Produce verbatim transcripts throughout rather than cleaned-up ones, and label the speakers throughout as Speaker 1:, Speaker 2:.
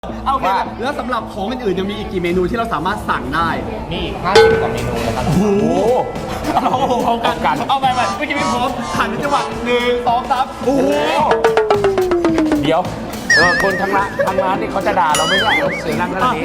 Speaker 1: โอเคแล้วสำหรับของอื่นๆยังมีอีกกี่เมนูที่เราสามารถสั่งได้
Speaker 2: มีอีกห้าสิบกว่าเมนูเลยครับโอ้โห
Speaker 1: เราพร้อมกันเอาไปไปเมื่อกี้ไม่พร้อมหันจังหวะหนึ่งสองสามโอ้โห
Speaker 3: เดี๋ยวเออคนทั้งร้านทั้งร้านนี่เขาจะด่าเราไม่ได้เสียงดังขนาดนี้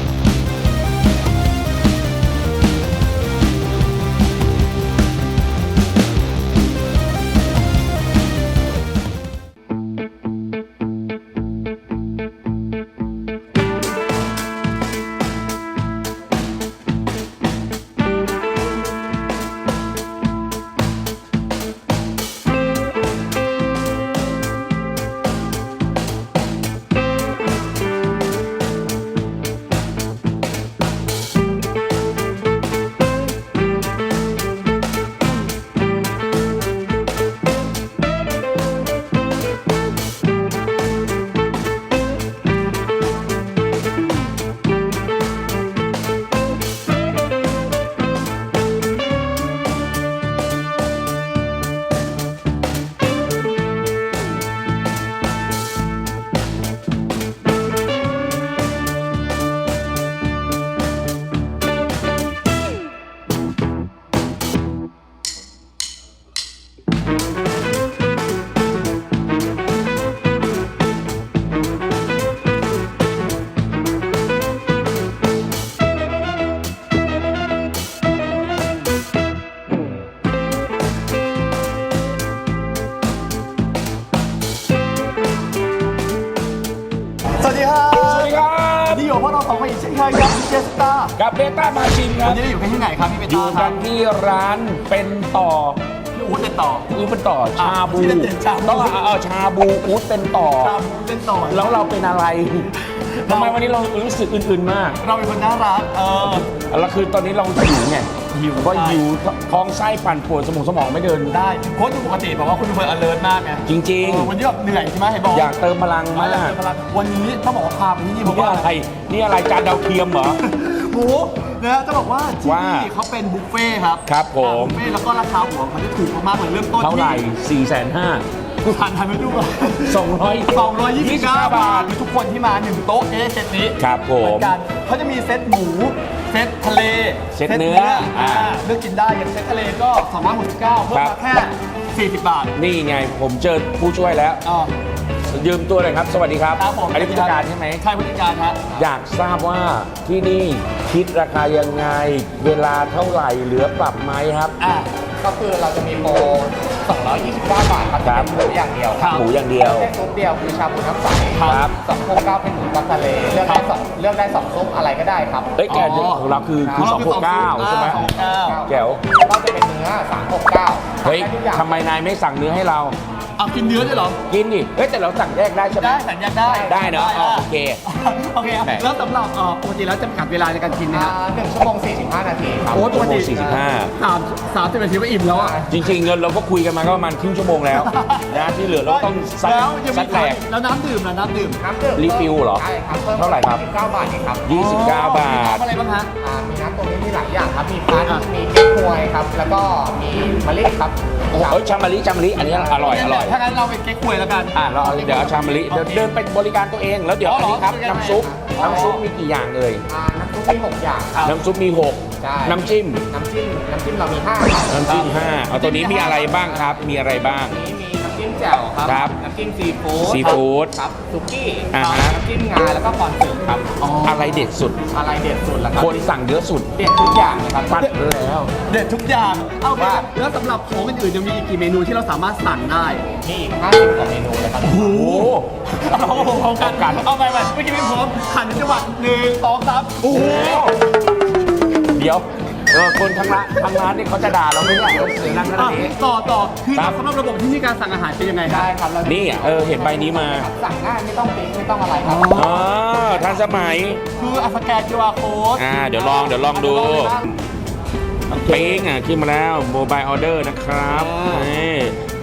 Speaker 1: สวัสดีครับสวัสดีครับนี่อยู่พวกเราสองคนอีกเช่นเคยกับเจสตา
Speaker 3: กับเบต้ามาชินครับ
Speaker 1: วันนี้อยู่กันที่ไหนครับพี่เบต้า
Speaker 3: อยู่กันที่ร้านเป็นต่อ
Speaker 1: อู๊ดเป็นต่อ
Speaker 3: อู๊ดเป็นต่อชาบูต้องเออชาบูอู๊ดเป็นต่อ
Speaker 1: ชาบูเป็นต่อ
Speaker 3: แล้วเราเป็นอะไรทำไมวันนี้เรารู้สึกอื่นๆมาก
Speaker 1: เราเป็นคนน่ารักเออ
Speaker 3: แล้วคือตอนนี้เราหิวไงหิวก็หิวท้องไส้ปั่นปวดสมองสมองไม่เดิน
Speaker 1: ได้โค้ชปกติบอกว่าคุณเป็นคน alert มากไง
Speaker 3: จริง
Speaker 1: ๆวันนี้แบบเหนื่อยใช่ไหมเห็นบอก
Speaker 3: อยากเติมพลังมาก
Speaker 1: วันนี้ต้องบอกว่าพาไปที่นี่เพราะว่า
Speaker 3: อะไรนี่อะไรจานดาวเทียมเหรอ
Speaker 1: โอ้นะจะบอกว่าที่นี่เขาเป็นบุฟเฟ่ครับ
Speaker 3: ครับผม
Speaker 1: บุฟเฟ่แล้วก็ราคาหัวเขาจะถูกมากๆเหมือนเริ่มต้น
Speaker 3: เท่าไหร่สี่แสนห้า
Speaker 1: ผ่านทันไม่ดูอ่ะ
Speaker 3: สองร้อย
Speaker 1: สองร้อยยี่สิบเก้าบาทมีทุกคนที่มาหนึ่งโต๊ะเอเซตนี้
Speaker 3: ครับผม
Speaker 1: กันเขาจะมีเซตหมูเซตทะเล
Speaker 3: เซตเนื้ออ่า
Speaker 1: เลือกกินได้อย่างเซตทะเลก็สองร้อยหกสิบเก้าเพิ่มมาแค่สี่สิบบาท
Speaker 3: นี่ไงผมเจอผู้ช่วยแล้วยืมตัวเลยครับสวัสดีครับอันนี้ผู้จัดการใช่ไหม
Speaker 1: ใช่ผู้จัดการฮะ
Speaker 3: อยากทราบว่าที่นี่คิดราคายังไงเวลาเท่าไหร่เหลือปรับไหมครับ
Speaker 2: อ่าก็คือเราจะมีโปรสองร้อยยี่สิบเก้าบาทครับเป็นหมูอย่างเดียว
Speaker 3: หมูอย่างเดียว
Speaker 2: แค่ซุปเดียวคือชาบูน้ำใส
Speaker 3: ครับ
Speaker 2: สองหกเก้าเป็นหมูปลาทะเลเลือกได้สองเลือกได้สองซุปอะไรก็ได้ครับ
Speaker 3: เอ้ยแกของเราคือคือสองหกเก้าใช่ไหมแก้ว
Speaker 2: ก็จะเป็นเนื้อสามหกเก้า
Speaker 3: เฮ้ยทำไมนายไม่สั่งเนื้อให้เรา
Speaker 1: เอากินเนื้อได้หรอ
Speaker 3: กินดิเฮ้ยแต่เราสั่งแยกได้ใช่ไหม
Speaker 1: ได้สั่งแยกได้
Speaker 3: ได้เนอะโอเค
Speaker 1: โอเคแล้วสำหรับปกติแล้วจำกัดเวลาในการกินนะครับ
Speaker 2: หนึ่งชั่วโมงสี่สิบห้านาทีครับ
Speaker 1: โอ้ปกติ
Speaker 3: สี่สิบห้า
Speaker 1: สามสามสิบนาทีก็อิ่มแล้วอ่ะ
Speaker 3: จริงๆเราก็คุยกันมาก็ประมาณครึ่งชั่วโมงแล้วนะที่เหลือเราต้องซัดซัดแหลก
Speaker 1: แล้วน้ำดื่มนะน้ำดื่ม
Speaker 2: น้ำดื่ม
Speaker 3: รีฟิลเหรอ
Speaker 2: ใช่ครับ
Speaker 3: เท่าไหร่ครับ
Speaker 2: ยี่สิบเก้าบาทเองครับ
Speaker 3: ยี่สิบเก้าบาท
Speaker 1: อะไรบ้างฮะ
Speaker 2: มีน้ำตัวนี้มีหลายอย่างครับมีพันมีเก๊กฮวยครับแล้วก็มีมะลิครับ
Speaker 3: เอ้ยชามะลิชามะลิอันนี้อร่อยอร่อย
Speaker 1: ถ้างั้นเราเป็นเก๊กฮวยแล้วกัน
Speaker 3: อ่าเราเดี๋ยวเอาชามะลิเดี๋ยวเดินไปบริการตัวเองแล้วเดี๋ยวอันนี้ครับน้ำซุปน้ำซุปมีกี่อย่างเลย
Speaker 2: น้ำซุปมีหกอย่าง
Speaker 3: น้ำซุปมีหกน้ำจิ้ม
Speaker 2: น้ำจิ้มน้ำจิ้มเรามีห้า
Speaker 3: น้ำจิ้มห้าเอาตัวนี้มีอะไรบ้างครับมีอะไรบ้าง
Speaker 2: นี้มีน้ำจิ้มแจ่วครับน้ำจิ้มซีฟู้ด
Speaker 3: ซีฟู้ด
Speaker 2: ครับซุกี้
Speaker 3: อ่าฮะ
Speaker 2: น้ำจิ้มงาแล้วก็คอนสึกครับ
Speaker 3: อะไรเด็ดสุด
Speaker 2: อะไรเด็ดสุดล่ะครับ
Speaker 3: คนสั่งเยอะสุด
Speaker 2: เด็ดทุกอย่างเลยครับ
Speaker 3: ปัดแล้ว
Speaker 1: เด็ดทุกอย่างเอาว่าแล้วสำหรับของอื่นๆยังมีอีกกี่เมนูที่เราสามารถสั่งได้
Speaker 2: มีอีกห้าสิบกว่าเมนูเลยครับ
Speaker 1: โอ้โหเราพร้อมกันเอาไปไปเมื่อกี้ไม่พร้อมหันจังหวะหนึ่งสองสามโอ้โห
Speaker 3: เดี๋ยวเออคนทั้งร้านทั้งร้านนี่เขาจะด่าเราไม่ได้เสียงดังขนาดนี้
Speaker 1: ต่อต่อคือสำหรับระบบที่มีการสั่งอาหารเป็นยังไงครับ
Speaker 2: ได้ครับ
Speaker 3: นี่เออเห็นใบนี้มา
Speaker 2: สั่งง่ายไม่ต้องปิ๊งไม่ต้องอะไรครับ
Speaker 3: อ๋อทันสมัย
Speaker 1: คืออัสแกน คิว อาร์ code
Speaker 3: อ่าเดี๋ยวลองเดี๋ยวลองดูปิ๊งอ่ะขึ้นมาแล้วโมบายออเดอร์นะครับนี่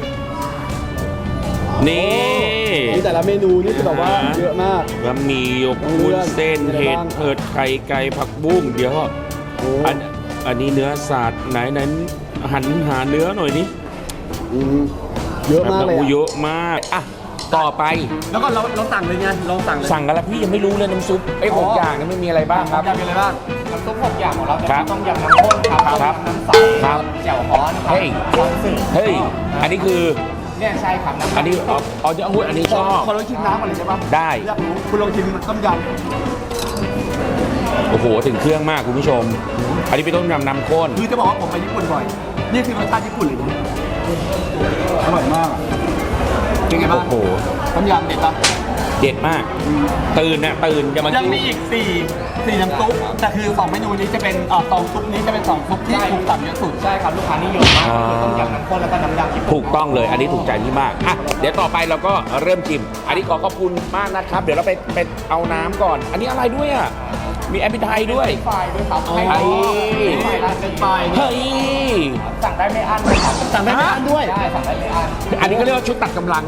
Speaker 1: นี่แต่ละเมนูนี่คือแบบว่าเยอะมาก
Speaker 3: บะหมี่หยกวุ้นเส้นเห็ดเผือกไข่ไก่ผักบุ้งเดี๋ยวอันอันนี้เนื้อสัตว์ไหนนั้นหันหาเนื้อหน่อยนี่
Speaker 1: เยอะมากเลย
Speaker 3: เยอะมากอ่ะต่อไป
Speaker 1: แล้วก็เราเราสั่งเลยไงเราสั่งเลย
Speaker 3: สั่งกันแล้วพี่ยังไม่รู้เลยน้ำซุปไอ้หก
Speaker 1: อ๋อ
Speaker 3: อ
Speaker 1: อ
Speaker 3: ย่างนั้นไม่มีอะไรบ้างครับ
Speaker 1: ยำมีอะไรบ้าง
Speaker 2: น้ำซุปหกอย่างของเราจะ
Speaker 3: ครั
Speaker 2: มี
Speaker 3: บ
Speaker 2: ต้มยำน้ำข้นครับ
Speaker 3: ครับ
Speaker 2: ต้มยำน้ำใส
Speaker 3: ครับ
Speaker 2: แจ่วฮ้อนครับ
Speaker 3: เฮ้ย
Speaker 2: ซอสสึ่ง
Speaker 3: เฮ้ยอันนี้คือ
Speaker 2: เนี่ยใช่ครับำ
Speaker 3: อันนี้อ๋ออ๋อจะพูดอันนี้ชอบ
Speaker 1: ขอลองชิมน้ำก่อนเลยใช่ปะ
Speaker 3: ได้
Speaker 1: อยากรู้คุณลองชิมต้มย
Speaker 3: โอ้โหถึงเครื่องมากคุณผู้ชม อันนี้เป็นต้มยำน้ำข้น
Speaker 1: ำคือจะบอกว่าผมไปญี่ปุ่นบ่อย นี่คือรสชาติญี่ปุ่นเลยนะอร่อยมากอะเป็นไงบ้าง
Speaker 3: โอ้โห
Speaker 1: ต้มยำเด็ดปะ
Speaker 3: เด็ดมาก ตื่นนะตื่นจะมา
Speaker 1: ยัง
Speaker 3: กิน
Speaker 1: มีอีกสี่สี่น้ำซุปแต่คือสองเมนูนี้จะเป็นเอ่อสองซุปนี้จะเป็นสองซุปที่ถูกสั่งเยอะสุด
Speaker 2: ใช่ครับลูกค้านิยมมากก็คือต้มยำน้ำข้นแล้วก็น้ำยำญี่ปุ่น
Speaker 3: ถูกต้องเลย อันนี้ถูกใจพี่มากอ่ะเดี๋ยวต่อไปเราก็เริ่มชิม อันนี้ขอขอบคุณมากนะครับ เดี๋ยวเราไปไปเอาน้ำก่อน อันนี้อะไรด้วยอ่ะ มีแอปเปิลไทยด้วย
Speaker 2: ไฟด้วยครับ
Speaker 1: อ๋อ
Speaker 2: ให้ไฟร้าน
Speaker 1: เป็
Speaker 2: เป็น น
Speaker 1: ไฟ
Speaker 3: เฮ้ย
Speaker 2: สั่งได้ไม่อั้นนะครับ
Speaker 1: สั่งได้ไม่อั้นด้วย
Speaker 2: ได้สั่งได้ไม่อั้น
Speaker 3: อันนี้ก็เรียกว่าชุดตัดกำลัง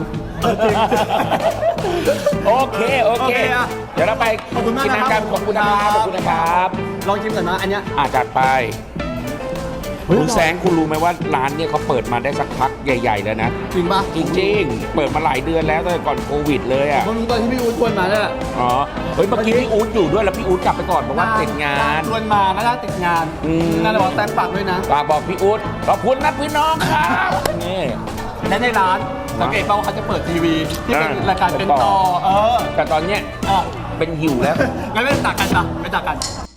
Speaker 3: โอเค โอเค
Speaker 1: โอเคอะ
Speaker 3: เดี๋ยวเราไป
Speaker 1: ขอบคุณมาก
Speaker 3: กิน
Speaker 1: นะครับ
Speaker 3: น้ำกันขอบคุณนะครับขอบคุณนะครับ
Speaker 1: ลองชิมก่อนนะอันเนี้ย
Speaker 3: อาจัดไป
Speaker 1: เฮ้ย
Speaker 3: คุณแสงคุณรู้ไหมว่าร้านเนี่ยเขาเปิดมาได้สักพักใหญ่ๆแล้วนะ
Speaker 1: จริงปะ
Speaker 3: จริงๆ เปิดมาหลายเดือนแล้วตั้งแต่ก่อนโควิดเลยอ่ะ
Speaker 1: ผมรู้ตอนที่พี่อู๊ดชวนมาเนี่ยแหละ
Speaker 3: อ๋อ เฮ้ย เมื่อกี้พี่อู๊ดอยู่ด้วยแล้วพี่อู๊ดกลับไปก่อนเพราะว่าติดงาน
Speaker 1: ชวนมาน่าจะติดงาน
Speaker 3: อืม
Speaker 1: น่าจะบอกแตงฝากด้วยนะ
Speaker 3: ฝากบอกพี่อู๊ดขอบคุณนะพี่น้องครับนี่
Speaker 1: และในร้านสังเกตป่าวว่าเขาจะเปิดทีวีที่เป็น
Speaker 3: อ่าร
Speaker 1: ายการเป็น
Speaker 3: เป็นต่
Speaker 1: ต่
Speaker 3: อ
Speaker 1: อ เออ
Speaker 3: แต่ตอนเนี้ย
Speaker 1: อ่ะ
Speaker 3: เป็นหิวแล้ว
Speaker 1: งั้นไม่ตักกันจ้ะไม่ตักกัน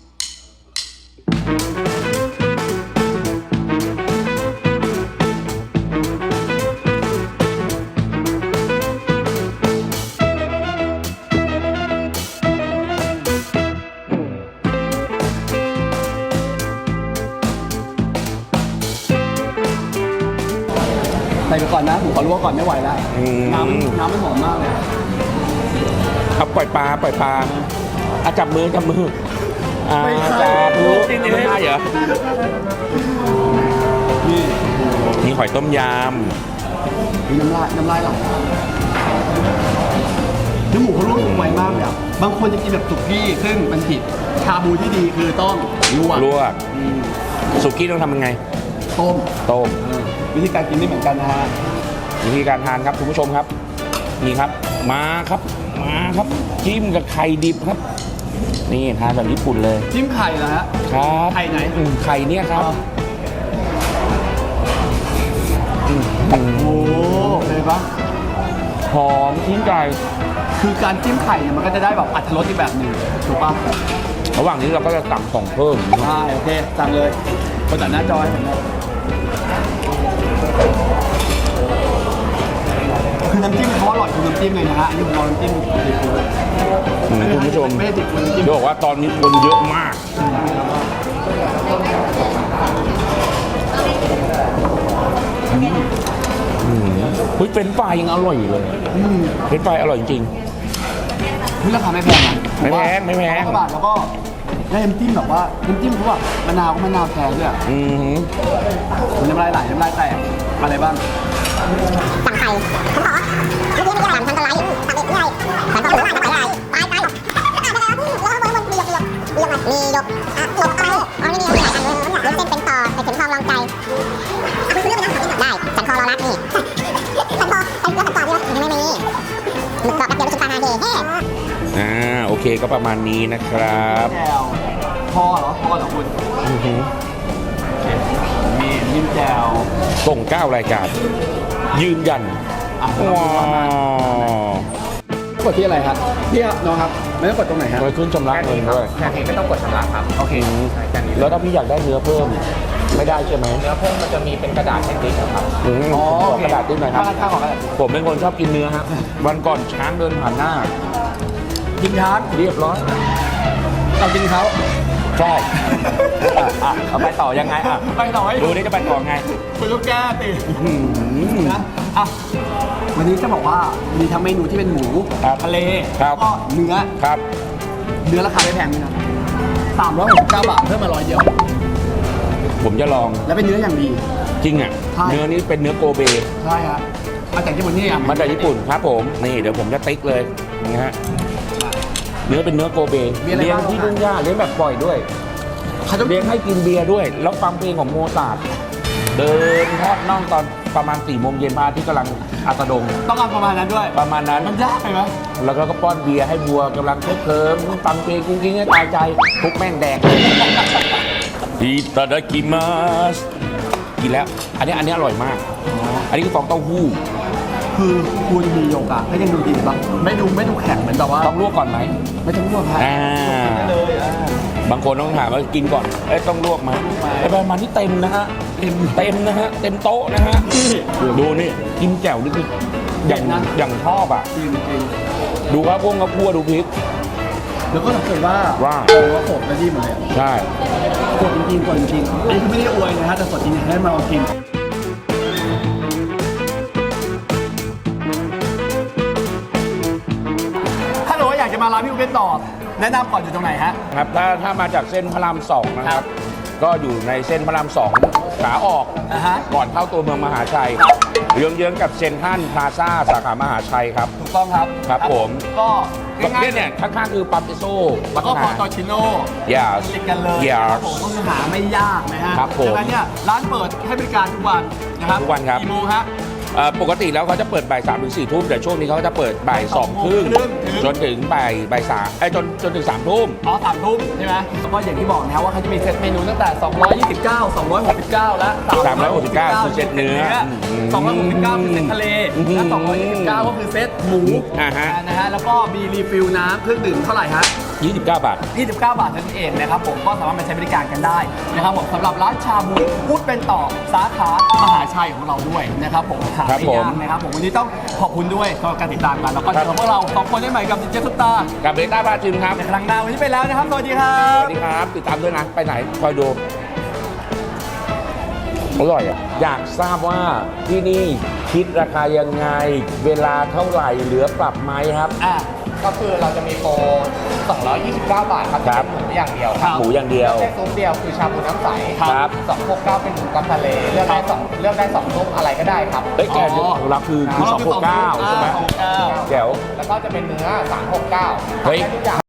Speaker 1: ใส่ไปก่อนนะผมขอลวกก่อนไม่ไหวแล้ว
Speaker 3: อืม
Speaker 1: น้ำน้ำมันหอมมากเลย
Speaker 3: เอาปล่อยปลาปล่อยปลาอ่ะจับมือจับมืออ่า
Speaker 1: ไม่ใช่
Speaker 3: จับมือ
Speaker 1: กินเอง
Speaker 3: ไม่ได้เหรอ
Speaker 1: นี่
Speaker 3: มีหอยต้มย
Speaker 1: มีน้ำลายน้ำลายไหลเนื้อหมูเขาลวกสุกไวมากเลยอ่ะบางคนจะกินแบบสุกี้ซึ่งมันผิดชาบูที่ดีคือต้องลวก
Speaker 3: ำลวก
Speaker 1: อืม
Speaker 3: สุกี้ต้องทำยังไง
Speaker 1: ต้ม
Speaker 3: ต้ม
Speaker 1: เออวิธีการกินไม่เหมือนกันนะฮะ
Speaker 3: วิธีการทานครับคุณผู้ชมครับ นี่ครับ มาครับ มาครับจิ้มกับไข่ดิบครับ นี่ทานแบบญี่ปุ่นเลย
Speaker 1: จิ้มไข่เหรอฮะ
Speaker 3: ครับ
Speaker 1: ไข่ไหน
Speaker 3: อืมไข่เนี่ยครับ
Speaker 1: อ๋อ
Speaker 3: อืม
Speaker 1: โอ้โหเลยปะ
Speaker 3: หอมชิ้นไก่
Speaker 1: คือการจิ้มไข่เนี่ยมันก็จะได้แบบอรรถรสอีกแบบหนึ่งถูกปะ
Speaker 3: ระหว่างนี้เราก็จะสั่งของเพิ่ม
Speaker 1: ใช่โอเคสั่งเลยคนตัดหน้าจอให้ผมหน่อยคือน้ำจิ้มเขาอร่อยคือน้ำจิ้มเลยนะฮะอันนี้ผมลองน้ำจิ้มซีฟู้ด
Speaker 3: อืมคุณผู้ชม
Speaker 1: ไม่ได้ติดน้ำจิ้ม
Speaker 3: เดี๋ยวบอกว่าตอนนี้คนเยอะมาก อืมเฮ้ยเป็นไฟรายยังอร่อยอยู่เลย
Speaker 1: อืม
Speaker 3: เป็นไฟรายอร่อยจริง
Speaker 1: นี่ราคาไม่แพงนะ
Speaker 3: ไม่แพงไม่แพง
Speaker 1: ร้อยกว่าบาทแล้วก็ได้น้ำจิ้มแบบว่าน้ำจิ้มเขาแบบมะนาวก็มะนาวแทนด้วยอะ
Speaker 3: อืม
Speaker 1: น้ำลายไหลน้ำลายแตกอะไรบ้าง
Speaker 4: สั่งไข่ผมขอเมื่อกี้ไม่ได้สั่งทางตะไลสั่งเด็กนี่ไงสั่งต่อหรือว่าจะไปอะไรไปไปแล้วก็บนบนมียกยกมียกมียกอ่ะยกอะไรอ๋อนี่มีหลายอันเลยวุ้นเส้นเป็นต่อใส่เข็มทองลองใจอ่ะคุณเลือกไปนะได้สันคอรอรักนี่สันคอไอ้แล้วสันคอนี่ไม่มีหมึกกรอบแป๊บเดียวรู้สึกปลานาเดเฮ้
Speaker 3: อ่าโอเคก็ประมาณนี้นะครับ
Speaker 1: แจวพอเหรอพอเหรอคุณ
Speaker 3: อือหือ
Speaker 1: มีนิ่มแจว
Speaker 3: ส่งเก้ารายการ ยืนยัน
Speaker 1: อ่ะ
Speaker 3: ว้าว
Speaker 1: กดที่อะไรครับพี่น้องครับไม่ต้องกดตรงไหนครับ
Speaker 3: ไปขึ้นชำระเงินด้วย
Speaker 2: แค่นี้ไม่ต้องกดชำระครับโอเคใช่แค่นี้
Speaker 3: แล้วถ้าพี่อยากได้เนื้อเพิ่ม ไม่ได้ใช่ไหม
Speaker 2: เนื้อเพิ่มมันจะมีเป็นกระดาษแผ่นดินครับ
Speaker 3: อืม
Speaker 1: อ๋อ
Speaker 3: ข
Speaker 1: โอ
Speaker 3: อ
Speaker 1: เค
Speaker 3: กระดาษด้วยหน่อยครับ
Speaker 1: ข้าวของกระดาษ
Speaker 3: ผมเป็นคนชอบกินเนื้อครับ วันก่อนช้างเดินผ่านหน้า
Speaker 1: กินช้าง
Speaker 3: เรียบร้อย
Speaker 1: เรากินเขา
Speaker 3: ชอบอ่ะอ่ะเอาไปต่อยังไงอ่ะ
Speaker 1: ไปต่อให้
Speaker 3: ดูนี่จะไปต่อไง
Speaker 1: คุณลูกแก้ติ
Speaker 3: อืม
Speaker 1: นะอ่ะวันนี้จะบอกว่ามีทั้งเมนูที่เป็นหมู
Speaker 3: ครับ
Speaker 1: ทะเล
Speaker 3: ครับ
Speaker 1: แล้วก็เนื้อ
Speaker 3: ครับ
Speaker 1: เนื้อราคาไม่แพงด้วยนะสามร้อยหกสิบเก้าบาทเพิ่มมาร้อยเดียว
Speaker 3: ผมจะลอง
Speaker 1: แล้วเป็นเนื้ออย่างดี
Speaker 3: จริงอ่ะ
Speaker 1: ใช่
Speaker 3: เนื้อนี้เป็นเนื้อโกเบ
Speaker 1: ใช่ครับมาจากญี่ปุ่นนี่อ่ะ
Speaker 3: มาจากญี่ปุ่นครับผม นี่เดี๋ยวผมจะติ๊กเลยนะฮะ เนื้อเป็นเนื้อโกเบ
Speaker 1: มีอะไร
Speaker 3: เลี้ยง
Speaker 1: บ้าง
Speaker 3: ที่ทุ่งหญ้าเลี้ยงแบบปล่อยด้วย
Speaker 1: เขาจะ
Speaker 3: เลี้ยงให้กินเบียร์ด้วย แล้วฟังเพลงของโมซาร์ทเดินทอดน่องตอนประมาณสี่โมงเย็นพระอาที่กำลังอาสะดง
Speaker 1: ต้องเอาประมาณนั้นด้วย
Speaker 3: ประมาณนั้น
Speaker 1: มันยากไปไหม
Speaker 3: แล้วก็ป้อนเบียร์ให้วัวกำลังเคลิ้มเคลิ้มฟังเพลงกุ้งกิ้งให้ตายใจทุกแม่งแดงอิตาดากิมัสกินแล้ว อันนี้อันนี้อร่อยมาก อันนี้คือฟองเต้าหู้
Speaker 1: คือคุณมีโยกะก็ยังดูดีบ้างไม่ดูไม่ดูแข็งเหมือนแบบว่า
Speaker 3: ต้องลวกก่อนไหม
Speaker 1: ไม่ต้องลวกครับ
Speaker 3: อ่า
Speaker 1: เลยอ่า
Speaker 3: บางคนต้องถามว่ากินก่อนเอ้ยต้องลวกไหมไอ้ประมาณนี้เต็มนะฮะเต็มเต็มนะฮะเต็มโต๊ะนะฮะดูนี่กินแจ่วนี่คืออย่างอย่างชอบอ่ะ
Speaker 1: จริงจริง
Speaker 3: ดูครับพวกกับพัวดูพริก
Speaker 1: แล้วก็สังเกตว่า
Speaker 3: ว่า
Speaker 1: โอ้ว่าสดและดีหมดเลยอะ
Speaker 3: ใช่
Speaker 1: สดจริงๆสดจริงๆอันนี้คือไม่ได้อวยนะฮะแต่สดจริงๆให้มาลองกินถ้าหนูว่าอยากจะมาร้านพี่อุ๊บเป็นต่อแนะนำก่อนอยู่ตรงไหนฮะ
Speaker 3: ครับถ้าถ้ามาจากเส้นพระรามสองนะค
Speaker 1: ครั
Speaker 3: รับ
Speaker 1: บ
Speaker 3: ก็อยู่ในเส้นพระรามสองขาออก
Speaker 1: นะฮะ
Speaker 3: ก่อนเข้าตัวเมืองมหาชัยเยื้องๆกับเซ็นทรัลพลาซ่าสาขามหาชัยครับ
Speaker 1: ถูกต้องครับ
Speaker 3: ครับผม
Speaker 1: ก็
Speaker 3: ก็
Speaker 1: ง่าย
Speaker 3: เนี่ย
Speaker 1: ๆ
Speaker 3: เนี่ยข้างๆคือปั๊มเอสโซ
Speaker 1: แล้วก็พอตอชิโน่
Speaker 3: Yes
Speaker 1: ติดกันเลย
Speaker 3: Yes
Speaker 1: ครับผมก็คือหาไม่ยากนะฮะ
Speaker 3: ครับผม
Speaker 1: ดังนั้นเนี่ยร้านเปิดให้บริการทุกวันนะครับ
Speaker 3: ทุกวันครับ
Speaker 1: กี่โมงฮะ
Speaker 3: เอ่อปกติแล้วเขาจะเปิดบ่ายสามถึงสี่ทุ่มแต่ช่วงนี้เขาจะเปิดบ่ายสองครึ่ง
Speaker 1: ครึ่งถึง
Speaker 3: จนถึงบ่ายบ่ายสามไอ้ยจนจนถึงสามทุ่ม
Speaker 1: อ๋อสามทุ่มใช่ไหมแล้วก็อย่างที่บอกนะครับว่าเขาจะมีเซตเมนูตั้งแต่ สองร้อยยี่สิบเก้า สองร้อยหกสิบเก้า และ
Speaker 3: สามร้อยหกสิบเก้าคือเซตเนื้ออืม
Speaker 1: สองร้อยหกสิบเก้าคือเซตทะเล
Speaker 3: อืม
Speaker 1: และ สองร้อยยี่สิบเก้า ก็คือเซตหมู
Speaker 3: อ่าฮะ
Speaker 1: นะฮะแล้วก็มีรีฟิลน้ำเครื่องดื่มเท่าไหร่ฮะ
Speaker 3: ยี่สิบเก้าบาท
Speaker 1: ยี่สิบเก้า บาทนั่นเองนะครับผมก็สามารถมาใช้บริการกันได้นะครับผมสำหรับร้านชาบูพูดเป็นต่อสาขามหาชัยของเราด้วยนะครับผมหา
Speaker 3: ครับ
Speaker 1: ไม่
Speaker 3: ผม
Speaker 1: ยากนะครับผมวันนี้ต้องขอบคุณด้วยสำหรับการติดตามกันแล้วก็เจอกับพวกเราสองคนได้ใหม่กับดิเจซุปตา
Speaker 3: กับเบต้าพาจิมครับ
Speaker 1: ในครั้งหน้าวันนี้ไปแล้วนะครับสวัสดีครั
Speaker 3: ส
Speaker 1: บ
Speaker 3: วัสดีครับ ติดตามด้วยนะ ไปไหน คอยดู อร่อยอ่ะ อยากทราบว่าที่นี่คิดราคายังไง เวลาเท่าไหร่เหลือปรับไหมครับ
Speaker 1: อ่ะ
Speaker 2: ก็คือเราจะมีโปรสองร้อยยี่สิบเก้า บาทครับ
Speaker 3: ครับ
Speaker 2: เป็นหมูอย่างเดียว
Speaker 1: ครับ
Speaker 3: หมูอย่างเดียว
Speaker 2: แค่ซุปเดียวคือชาบูน้ำใส
Speaker 3: ครับ
Speaker 2: สองหกเก้าเป็นหมูกับทะเลเลือกได้สองเลือกได้สองซุปอะไรก็ได้ครับ
Speaker 3: เอ้ยแกเดี๋ยวของเราคือคือสองหกเก้าใช่ไหม
Speaker 1: สองหกเก้า
Speaker 3: แจ๋ว
Speaker 2: แล้วก็จะเป็นเนื้อสามหกเก้า
Speaker 3: เฮ้ย
Speaker 2: ได้ทุกอย่าง